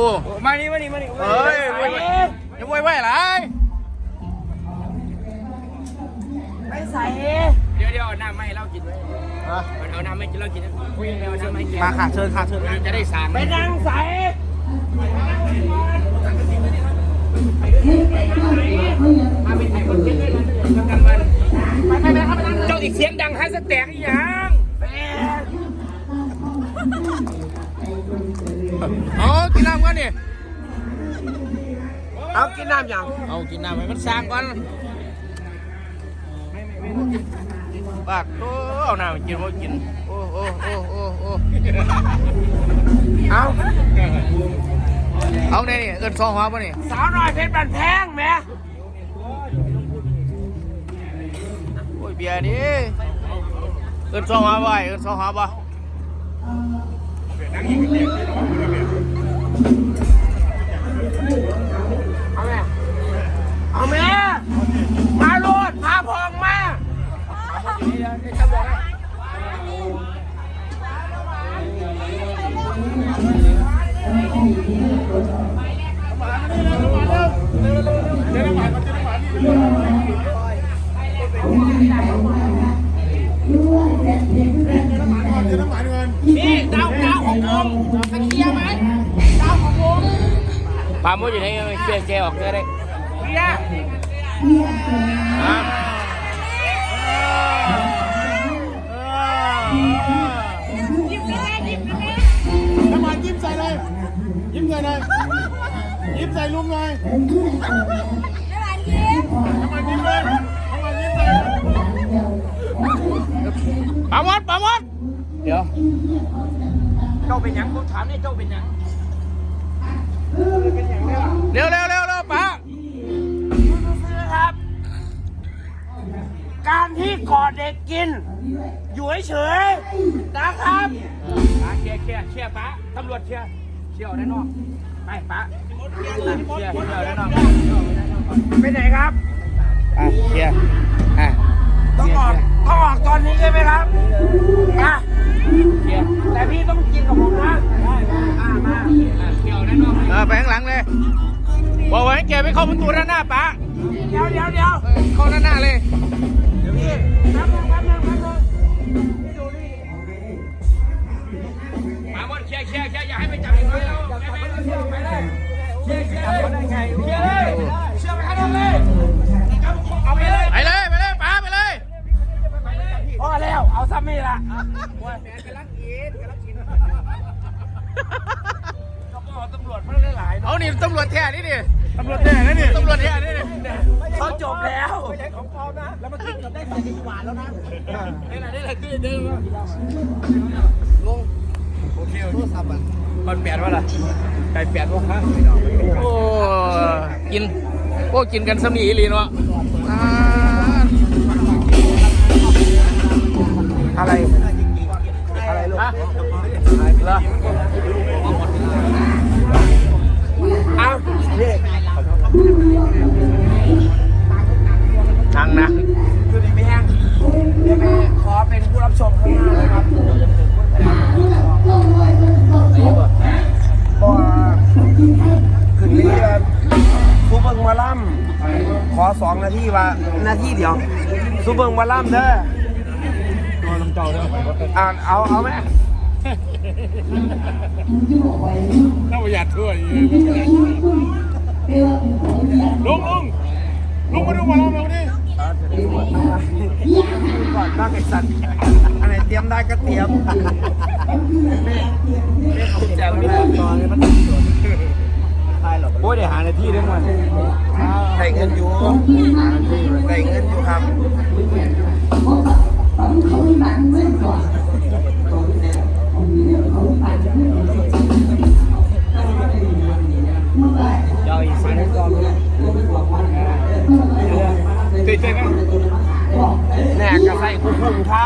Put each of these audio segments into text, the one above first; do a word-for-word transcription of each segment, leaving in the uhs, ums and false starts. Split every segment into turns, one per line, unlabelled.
มานี่มานี่มานี่
เฮ้ยจะไหวไหวไร
ไม่ใส่เดี๋ยวเดี๋ยวเอาน้ำมาให้เรากินไว้เอาน้ำมาให้เรากินคุยกันเอาน้ำมาให้กิน
มาขาเชิญขาเชิญ
จะได้สางไปนั่งใส่มาเป็นไทยคนเก่งเลยนะกันมันไปไปไปครับเจ้าอีกเสียงดังให้สแต็กอีกอย่าง
เอากินน้ำกันนี่
เอากินน้ำอย่าง
เอากินน้ำให้มันสร้างก่อนปากโอ้เอาน้ำกินโอ้กินโอ้โอ้โอ้โอ้โอ้เอาเอาเนี่ยนี่เอินซองหัวป่ะนี่
สาวน้อยเพชรบันแพงแม่
โอ้ยเบียร์ดิเอินซองหัวบ่เอินซองหัวบ่
เอาแม่เอาแม่มาโลดพาพองมานี่ดาวดาวของวงตะเคียนไหมดาวของวง
ปาโมอยู่ไหนเชียร์เชียร์ออกได้
เคียร์
น้ำมันยิ้มใส่เลยยิ้มใส่เลยยิ้มใส่ลุงเลยน้ำมันยิ้มเลยน้ำมันยิ้มใส่
ปาโมดปาโมดเดี๋ยว
เจ้าเป็นยังผมถามเนี่ยเจ้าเป็นยัง
เร็วเร็วเร็วเร็วป้า
ซื้อครับ การที่กอดเด็กกินอยู่เฉยๆนะครับเชียร์เชียร์เชียร์ป้าตำรวจเชียร์เชียร์ด้านนอกไปป้าเชียร์เชียร์ด้านนอกไปไหนครับ
อ่ะเชียร์อ่ะ
ต้องออกต้องออกตอนนี้ใช่ไหมครับอ่ะเชียร์แต่พี่ต้องกินกับผมนะได้มามาเชียร์ด้านนอก
เออไปข้างหลังเลยบอกไว้แกไม่เข้าประตูด้านหน้าป้า
เดี๋ยวเดี๋ยวเดี๋ยว
เข้าด้านหน้าเลย
เดี๋ยวพี่แป๊บนึงแป๊บนึงแป๊บนึงมาบนเชียร์เชียร์เชียร์อย่าให้ไปจับอีกเลยเราไปไปเชียร์ไปเลยเชียร์เชียร์ได้ไงเชียร์เลยเชียร์ไปข้างนอกเลยเอาไปเลย
ไปเลยไปเลยป้าไปเลย
พอแล้วเอาซ้ำนี่ละว่าแฟนกำลังกินกำลังกินก็บอกตำรวจมันหลาย
เอานี่ตำรวจแท้นี่ดิ
ตำรวจแน่นะนี่
ตำรวจแท้นี่ดิ
เขาจบแล้ว
ไม่ใช่ของปลอมนะแล้วมันขึ้นกับได้ใส่ดีกว่าแล้วนะ
นี่แหละนี่แหละคือเดิม
ลงโอเคโทรศัพท์อ่ะ
มันเปลี่ยนว่าล่ะไก่เปลี่ยนว่าฮะ
โอ้กินโอ้กินกันสมีอีลีเนาะ
อะไรอะไรลูกฮะเหรอเอาเด็ก
นั่งนะ
คือดีไม่แห้งเดี๋ยวไปขอเป็นผู้รับชมข้างหน้าเลยครับก็ขึ้นเรือซูเปอร์มาล่ำขอสองนาทีว่านาทีเดียวซูเปอร์มาล่ำเด้ออ่านเอาเอาไหม
น่าประหยัดด้วยลุงลุงลุงมาดูมาลองเราดิ
ก่อนบ้างไอ้สัตว์อันไหนเตรียมได้ก็เตรียมแจกไม่ได้ตอนนี้มันโอ้ยเดี๋ยวหาในที่ด้วยมันใส่เงินอยู่ใส่เงินอยู่ครับเจ้าอีสานก่อนเจ๊เจ๊ไหมแหนกกระใส่คุ้มครับ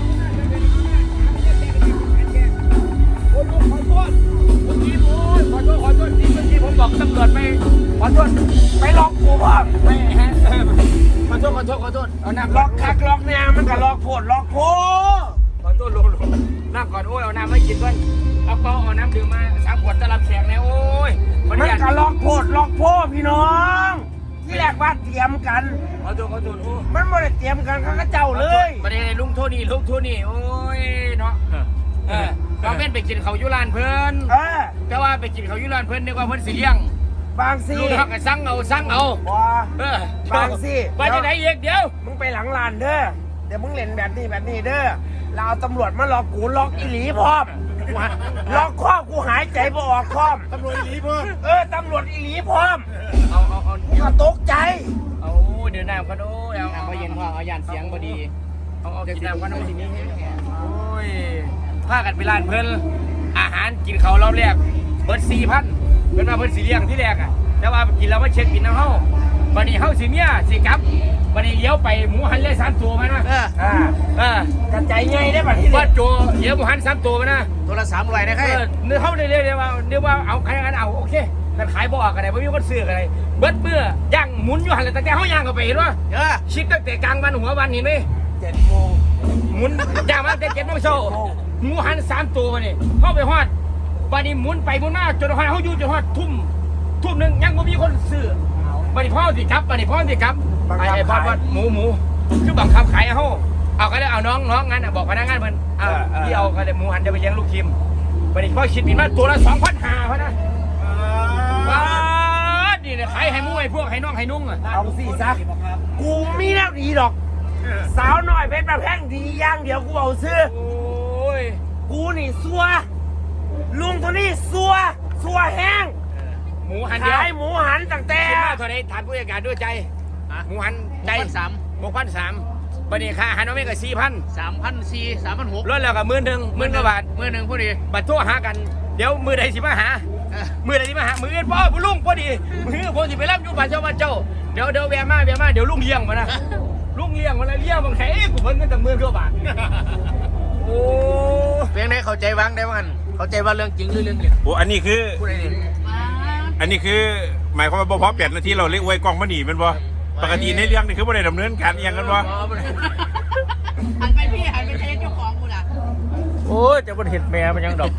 ขอโทษโทษไปล็อกกูพ่อไม่ฮะขอโทษขอโทษขอโทษเอาน้ำ
ล็อกคักล็อกเนี่ยมันก็ล็อกโพดล็อกโพ
ขอโทษลงลงน้ำก่อนโอ้ยเอาน้ำไม่กินด้วยเอาเปล่าเอาน้ำดื่มมาสามขวดตะลับแขกแล้วโอ้ย
มันก็ล็อกโพดล็อกโพพี่น้องที่แรกว่าเตรียมกัน
ขอโทษขอโทษโอ้
มันไม่ได้เตรียมกันเขาก็เจ้าเลย
ประเด็นลุงโทนี่ลุงโทนี่โอ้ยเนาะเออเราเป็นไปกินเขายุรานเพิ่น
เออ
แต่ว่าไปกินเขายุรานเพิ่นนึกว่าเพิ่นสิเลี้ยง
บางสิ
ลุงเขาก็สั่งเอาสั่งเอา
บ่
เออบ
างสิ
ไปที่ไหนอีกเดี๋ยว
มึงไปหลังลานเด้อเดี๋ยวมึงเล่นแบบนี้แบบนี้เด้อเราเอาตำรวจมาล็อกกูล็อกอีหลีพร้อมล็อกข้อกูหายใจบ่ออกพร้อมตำรวจอีหลีพร้อมเออตำรวจอีหลีพร้อม
เอาเอาเอา
กูก็ตกใจ
เอาเดี๋ยวน้ำกันโอ้ยเอาเอาเย็นพ่อเอายานเสียงพอดีเอาเอากินน้ำกันเอาทีนี้โอ้ยพากันไปร้านเพิ่นอาหารกินเขาเราแรกเบิดสี่พันเพิ่นมาเพิ่นสีเลี้ยงที่แรกอ่ะแต่ว่ากินแล้วมาเช็คบินน้ำเฮาบัดนี้เฮาสิเมียสิกลับบัดนี้เลี้ยวไปหมูหันเลยสามตัวมานะ
เออ
อ่า
เออก
ระจายไงได้ป่ะที่
ว่า
นี่
โจเลี้ยวหมูหันสามตัวมานะ
ตัวละสามร้อยนะค
เอ
รับ
อเนื้อเฮาได้เรียกว่าเรียกว่าเอาใครกันเอาโอเคแต่ขายบ่ออกกันได้บ่มีคนซื้อกันได้เบิดเบื่อย่างหมุนอยู่หันเลยตั้งแต่เฮาย่างเข้าไปเห็นว่า
เออ
ชิดตั้งแต่กลางวันหัววันเห็นไหม
เจ็ดโมง
หมุนย่างมาตั้งแต่เจ็ดโมงเช้าหมูหันสามตัวมานี่เข้าไปฮอดบัดนี้หมุนไปหมุนมาจนฮอดเฮาอยู่จนฮอดทุ่มทุ่มหนึงยังบ่มีคนซื้อบัดนี้พ่อสิครับบัดนี้พ่อสิครับไอ้ไอ้บอสว่าหมูหมูคือบังคับขายเฮาเอาก็ได้เอาน้องน้องงั้นน่ะบอกพนักงานเพิ่นอ่าที่เอาก็ได้หมูหันจะไปเลี้ยงลูกทีมบัดนี้พ่อคิดบินมาตัวละ สองพันห้าร้อย พะนะว้านี่เนี่ยขายให้หมูให้พวกให้น้องให้นุ่งอ่ะ
เอาสิซะกูมีแนวดีดอก สาวหน่อยเพชรประแพงดีอย่างเดียวกูเอาซื้อ
โอ้ย
กูนี่ซัวลุงตัวนี้ซัวซัวแห้ง
หมูหันเดียว
ขายหมูหันตั้งแต่
คิดมากเท่าไหร่ถามผู้จัดการด้วยใจหมูหันใจ
สาม
หกพันสามบัดนี้ค่าอาหารน้องเมฆก็สี่พัน
สามพันสี่สามพันหก
ลดแล้วก็หมื่นหนึ่งหมื่นกว่าบาท
มือหนึ่งพอดี
บัตรโทรหากันเดี๋ยวมือใดสิมาหา
เออ
มือใดสิมาหามืออื่นพ่อผู้ลุงพอดีมือผมสิไปรับอยู่บ้านเจ้าบ้านเจ้าเดี๋ยวเดี๋ยวแวะมาแวะมาเดี๋ยวลุงเลี้ยงมานะลุงเลี้ยงมาแล้วเลี้ยงบางแค่กูเพิ่นเงินแต่หมื่นกว่าบาทโอ้
เพียงได้เข้าใจวางได้ว่างันเข้าใจว่าเรื่องจริงหรือเรื่องเล่น
โอ้อันนี้คือ
พูดอะไรเนี่ย
อันนี้คือ หมายความว่าบ่พอแปดนาทีเราเรียกไว้กล้องมาหนีแมันบ่ปกติในเรื่องนี่คือบ่ได้ดำเนินการอหยังกันบ่
หันไปพี่หันไปเทสเจ้าของกูล่ะ
โอ้ยจะบนเห็ดแม่มันยังดอก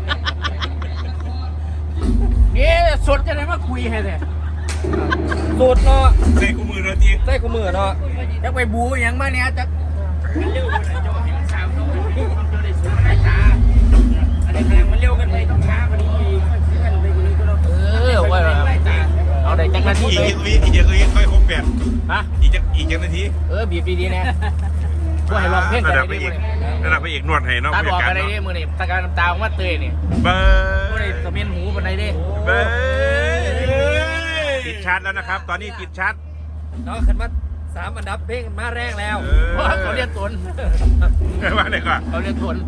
นี่สดจะได้มาคุยให้แท้สดเนาะ
ใส่คู่มือเราที
ใส่กูมือเนาะจะไปบูอย่างมาเนี่ยจะมันเร็วกันจะเห็นสาวน้อยจะได้สวยได้ตาอะไรแรงมันเร็วกันไปต้องช้ากว่านี้อีกมันไปกว่านี้ก็เรา
เออว่าเอาได้จังนาที
อีก
เลย
อีกอีกอีกอีกค่อยครบแปด
ฮะ
อีกจักอีกจักนาที
เออบีบดีๆนะช่วยให้ลองเพลงกั
ระ
น
ดับไป
ได้
อี
ดิ
กระดับไปอีกนวดให้เนาะ
ตา
ผู้
บ
จั
อ
ด
ก
การ
อะไร
เนาะ
ดิมือนี่ตาการน้ำตาของมาเตยนี่
เบอ
มือนี่
ร์
สะเมียนหูปันไหนดิ
เบอร์ติดชาร์จแล้วนะครับ ตอนนี้ติดชาร์จ
เนาะขึ้นมาสามอันดับเพลงมาแรกแล้ว
เออ
เพราะเขาเรียนตน
ว่าไหนก่อน
เขาเรียนตน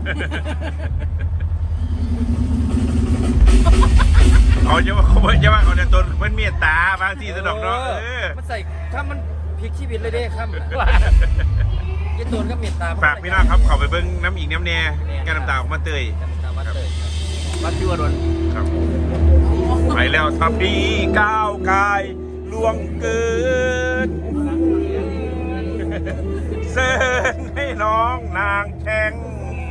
เขาจะว่าเขาจะว่าเขาจะตนเพิ่นเมตตาบางทีสนอกเนาะเออ
มันใส่ข้ามมันพลิกชีวิตเลยเด้ข้ามยี่ตูนก็เมียตา
ฝากพี่น้องครับเขาไปเบิ้งน้ำอีกน้ำแน่แกน้ำตาออกมาเตย
วัดเตย
วัดพิวดล
ครับไปแล้วทำดีก้าวกายล่วงเกินเสิร์นให้น้องนางแช่ง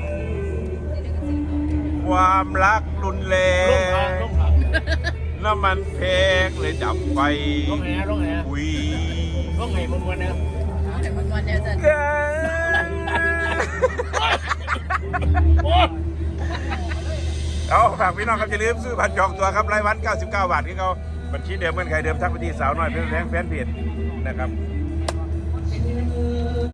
ความรักรุนแร
ลงทาง
ง
ลงทาง
น้ำมันแพงเลยดับไฟ
ลงไหนนะลงไหนนะ
วี
ลงไหนมันวันนะ
แต่มันวันเดียวจะ
เอาฝากพี่น้องครับอย่าลืมซื้อบัตรจองตัวครับรายวันเก้าสิบเก้าบาทที่เขาบัญชีเดิมเหมือนใครเดิมทักไปที่สาวน้อยเพื่อนแฟนเพจนะครับ